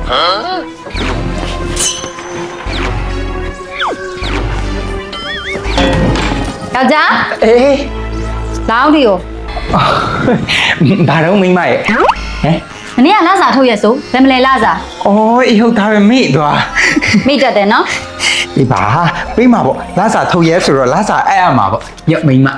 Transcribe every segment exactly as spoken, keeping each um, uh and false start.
ယောက်ျားအေးလာအောင်ဒီကိုဒါတော့မိမရဲ့ဟမ်မနေ့ကလာစားထုတ်ရဆိုဘယ်မလဲလာစားအော်အေးဟုတ်သားပဲမိသွားမိတတ်တယ်နော်ဒီပါပြီးမှာပေါ့လာစားထုတ်ရဲဆိုတော့လာစားအဲ့ရမှာပေါ့ညမိမ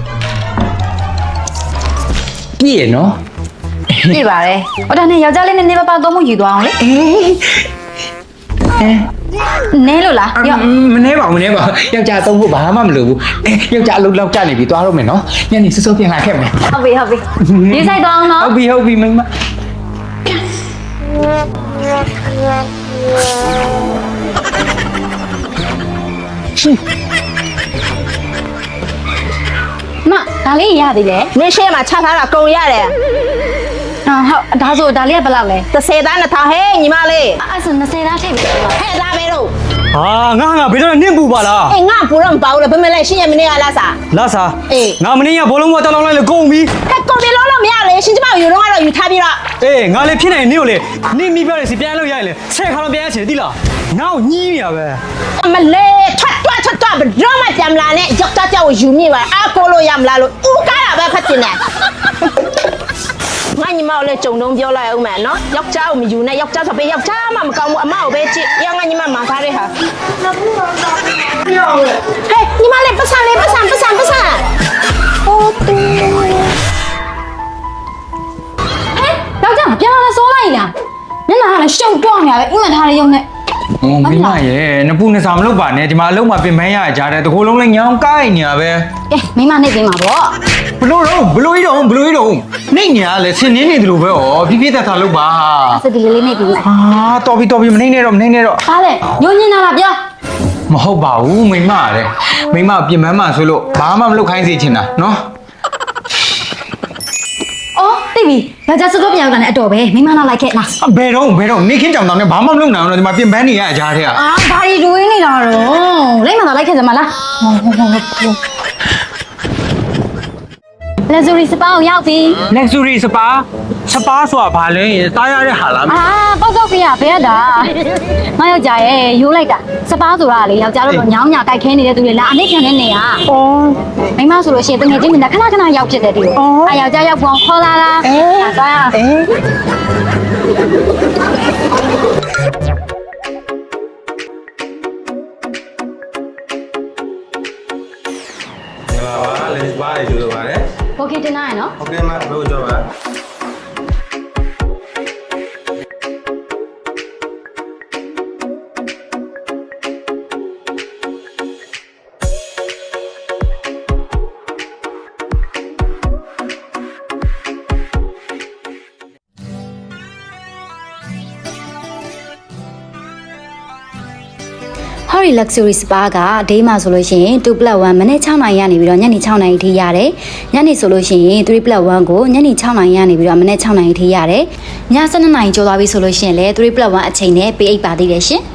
ပြည့်နော်ပြည့်ပါတယ်ဟောဒါနဲ့ယောက်ျားလေးနည်းနည်းပါးပါသုံးမှုယူသွားအောင်လေအေးအဲနဲလို့လားမနဲပါဘူးမနဲပါယောက်ျားသုံးဖို့ဘာမှမလိုဘူးအဲယောက်ျားအလုပ်လောက်ကြနေပြီသွားတော့မယ်နော်ညနေစောစောပြန်လာခဲ့မယ်ဟုတ်ပြီဟုတ်ပြီဒီဆိုင်သွားအောင်နော်ဟုတ်ပြီဟုတ်ပြီမိမမဒါလေးရသေးတယ်နင်းရှဲမှာချထားတာကုန်ရတယ်ဟာဟုတ်ဒါဆိုဒါလေးကဘယ်လောက်လဲတစ်ဆယ်သားနှစ်ထောင်ဟဲ့ညီမလေးအဲ့ဆိုနှစ်ဆယ်သားထည့်ပြီဟဲ့သားပဲတော့ဟာငါငါဘယ်တော့နင့်ပူပါလားအေးငါပူတော့မပါဘူးလေဘယ်မလဲရှင်းရမနေရလားစာလာစားအေးငါမင်းကဘောလုံးမတောင်းလိုက်လို့ကုန်ပြီဟဲ့ကုန်ပြီလို့လို့မရလေရှင်းကျမယူတော့ကတော့ယူထားပြီးတော့အေးငါလည်းဖြစ်နေနေကိုလေနင့်မိပြောတယ်စီပြန်လို့ရရင်လေဆယ်ခါတော့ပြန်ရချင်သိလားငါ့ကိုညည်းနေရပဲအမလေးထွက်ထွက်ထွက်ထွက်ဘယ်တော့မှပြန်လာနဲ့ကြောက်ကြောက်ကိုယူမိပါအာကိုလို့ရမလားလို့ဦးကားတာပဲဖတ်တင်တယ်ငါညီမလည်းကြုံတုံးပြောလိုက်အောင်မယ်နော်ယောက်ျားကိုမယူနဲ့ယောက်ျားဆိုပေးယောက်ျားမှမကောင်းဘူးအမကိုပဲချစ်ရငါညီမမာထားတဲ့ဟာဟဲ့ညီမလေးပတ်စံလေးပတ်စံပတ်စံပတ်စံโอ้ตูဟဲ့ယောက်ျားပြန်လာစောလိုက်လားမျက်နှာကလည်းရှုပ်တော့နေရပဲအင်္ဂါထားတဲ့ရုံနဲ့哦，明白耶，那不能咱们老板呢？今嘛老板变卖呀，家的都可能来娘改呢呗。 哎，明白那边嘛不？ 不露肉，不露一种，不露一种。那年来前年年的路呗哦，皮皮在他老板。 是的，那那边。 啊，倒闭倒闭，那年了，那年了。 好嘞，有人拿了不要？ 没好吧，我没买嘞，没买变卖嘛，所以咯，妈妈们都看事情了，喏。 哦，对比，要家是做不要干的多呗，明白拿来看啦。 别动别动，你看讲到那妈妈们弄那，就嘛变卖你呀家的呀。 啊，哪里注意你了喽？来嘛拿来看什么啦？Luxury spa 要比 Luxury spa spa 说怕嘞，大家的哈啦。 啊，报告给啊，别的。我要加耶，有来的 spa 做啦哩，要加入娘娘带看你的对啦，你看你呀。哦。明妈说了些，等下今天看那看那要不得的。哦。还要加要光好啦啦。哎。啥呀？哎。 ဘာလဲကျိုးတော့ပါလဲ Okay တင်နိုင်နော် Okay မဘယ်လိုကြောပါဟော်ရီ luxury spa ကဒေးမှာဆိုလို့ရှိရင်two plus one မနေ့6နာရီရနေပြီးတော့ညနေ6နာရီထိရတယ်။ညနေဆိုလို့ရှိရင်three plus oneကိုညနေ6နာရီရနေပြီးတော့မနေ့6နာရီထိရတယ်။ည12နာရီကျော်သွားပြီဆိုလို့ရှိရင်လည်းthree plus one အချိန်နဲ့ပေးအိပ်ပါသေးတယ်ရှင်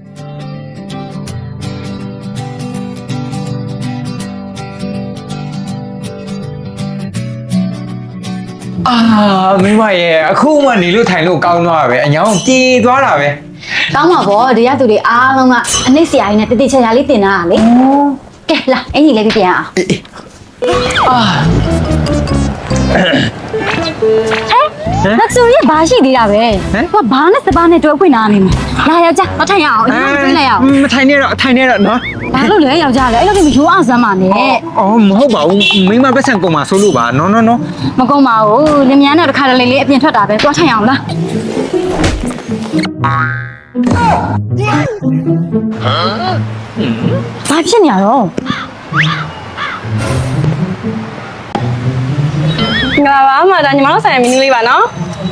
။အာမိမရဲ့အခုမှနေလို့ထိုင်လို့ကောင်းသွားတာပဲအညောင်းပြေးသွားတာပဲကောင်းပါဗောဒီရသူတွေအားလုံးကအနှိမ့်ဆရာကြီးနဲ့တတိချာချာလေးတင်တာလေကဲလာအင်ကြီးလေးပြပြန်အောင်အာဟဲ့ luxury ဘာရှိသေးတာပဲဟိုဘာနဲ့စပါးနဲ့တွဲဖွင့်တာနေမှာလာယောက်ျားမထိုင်ရအောင်အရင်တွင်းလိုက်အောင်မထိုင်နဲ့တော့ထိုင်နဲ့တော့နော်ဘာလို့လဲယောက်ျားလဲအဲ့လိုမျိုးရိုးအောင်စမ်းပါနဲ့အော်မဟုတ်ပါဘူးမိမပတ်စံကုန်မှာဆိုလို့ပါနော်နော်နော်မကုန်ပါဘူးလင်မြန်းနဲ့တခါတလေလေးအပြင်ထွက်တာပဲတွားထိုင်အောင်လားဘာဖြစ်နေရတော့ငါပါမှာဒါညီမတို့ဆိုင်ရာမီနူလေးပါနော်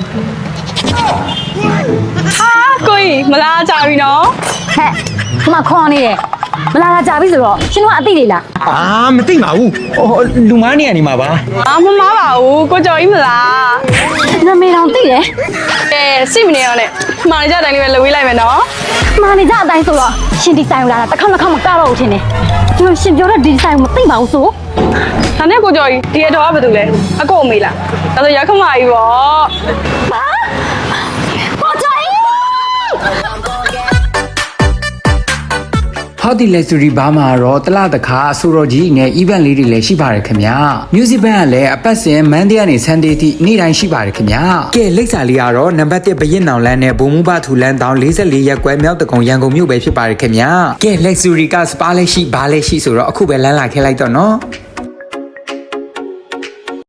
ဟာကိုကြီးမလားကြပြီနော်ဟဲ့ခမခေါ်နေတယ်မလာလာကြပြီဆိုတော့ရှင်တို့ကအသိလေလားအာမသိပါဘူးဟိုလူမနေရနေမှာပါအာမမပါဘူးကိုကျော်ကြီးမလားနာမည်တော်သိတယ်ကဲစိတ်မနေရောနဲ့မှားနေကြတိုင်းလေးပဲလှုပ်ဝေးလိုက်မယ်နော်မှားနေကြအတိုင်းဆိုတော့ရှင်ဒီဆိုင်ကိုလာတာတစ်ခါတစ်ခါမကတော့ဘူးထင်တယ်ကျွန်တော်ရှင်ပြောတဲ့ဒီဆိုင်ကိုမသိပါဘူးဆိုဒါနဲ့ကိုကျော်ကြီးဒီအတော်ကဘာတူလဲအကိုအမေလားဒါဆိုရခမကြီးပေါ့ဘာကိုကျော်ကြီး South Luxury Bar မှာတော့တလတခါအဆိုတော်ကြီးနဲ့ event လေးတွေလည်းရှိပါတယ်ခင်ဗျာ Music band ကလည်းအပတ်စဉ် Monday ကနေ Sunday ထိနေ့တိုင်းရှိပါတယ်ခင်ဗျာကဲလိပ်စာလေးကတော့နံပါတ်oneဘရင်နောင်လန်းနဲ့ဘုံမူဘထူလန်းတောင်းforty-fourရက်ကွဲမြောက်တကုံရန်ကုန်မြို့ပဲဖြစ်ပါတယ်ခင်ဗျာကဲ Luxury က spa လည်းရှိ bar လည်းရှိဆိုတော့အခုပဲလမ်းလာခဲ့လိုက်တော့နော်